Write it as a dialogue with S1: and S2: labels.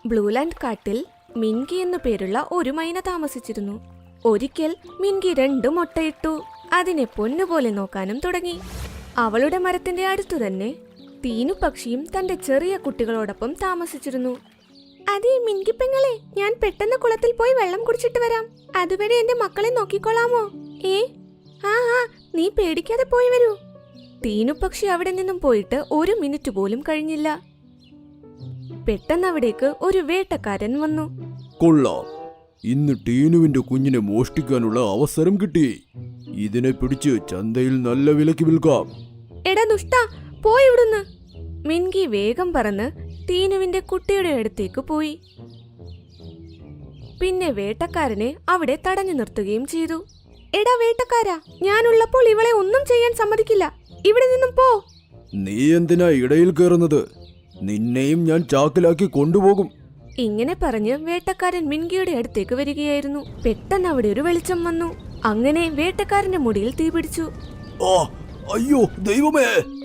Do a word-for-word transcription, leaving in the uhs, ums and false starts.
S1: ബ്ലൂലാൻഡ് കാട്ടിൽ മിൻകി എന്നു പേരുള്ള ഒരു മൈന താമസിച്ചിരുന്നു. ഒരിക്കൽ മിൻകി രണ്ട് മുട്ടയിട്ടു. അതിനെ പൊന്നുപോലെ നോക്കാനും തുടങ്ങി. അവളുടെ മരത്തിന്റെ അടുത്തു തന്നെ തീനു പക്ഷിയും തന്റെ ചെറിയ കുട്ടികളോടൊപ്പം താമസിച്ചിരുന്നു. അതേ മിൻകി പെങ്ങളെ, ഞാൻ പെട്ടെന്ന് കുളത്തിൽ പോയി വെള്ളം കുടിച്ചിട്ട് വരാം. അതുവരെ എന്റെ മക്കളെ നോക്കിക്കൊള്ളാമോ? ഏ ആ ആ നീ പേടിക്കാതെ പോയി വരൂ. തീനു പക്ഷി അവിടെ നിന്നും പോയിട്ട് ഒരു മിനിറ്റ് പോലും കഴിഞ്ഞില്ല. പെട്ടെന്ന് അവിടേക്ക് ഒരു വേട്ടക്കാരൻ വന്നു.
S2: കൊള്ളാം, ഇന്ന് ടീനുവിന്റെ കുഞ്ഞിനെ മോഷ്ടിക്കാനുള്ള അവസരം കിട്ടി. ഇതിനെ പിടിച്ച് ചന്തയിൽ നല്ല വിലക്ക് വിൽക്കാം.
S1: എടാ ദുഷ്ടാ, പോയിവിടുന്ന്. മിൻകി വേഗം പറന്ന് ടീനുവിന്റെ കുട്ടിയുടെ അടുത്തേക്ക് പോയി. പിന്നെ വേട്ടക്കാരനെ അവിടെ തടഞ്ഞു നിർത്തുകയും ചെയ്തു. എടാ വേട്ടക്കാരാ, ഞാനുള്ളപ്പോൾ ഇവളെ ഒന്നും ചെയ്യാൻ സമ്മതിക്കില്ല. ഇവിടെ നിന്നും പോ.
S2: നീ എന്തിനാ ഇടയിൽ കയറുന്നത്? നിന്നെയും ഞാൻ ചാക്കിലാക്കി കൊണ്ടുപോകും.
S1: ഇങ്ങനെ പറഞ്ഞ് വേട്ടക്കാരൻ മിൻകിയുടെ അടുത്തേക്ക് വരികയായിരുന്നു. പെട്ടെന്ന് അവിടെ ഒരു വെളിച്ചം വന്നു. അങ്ങനെ വേട്ടക്കാരന്റെ മുടിയിൽ തീപിടിച്ചു.
S2: ആ, അയ്യോ ദൈവമേ!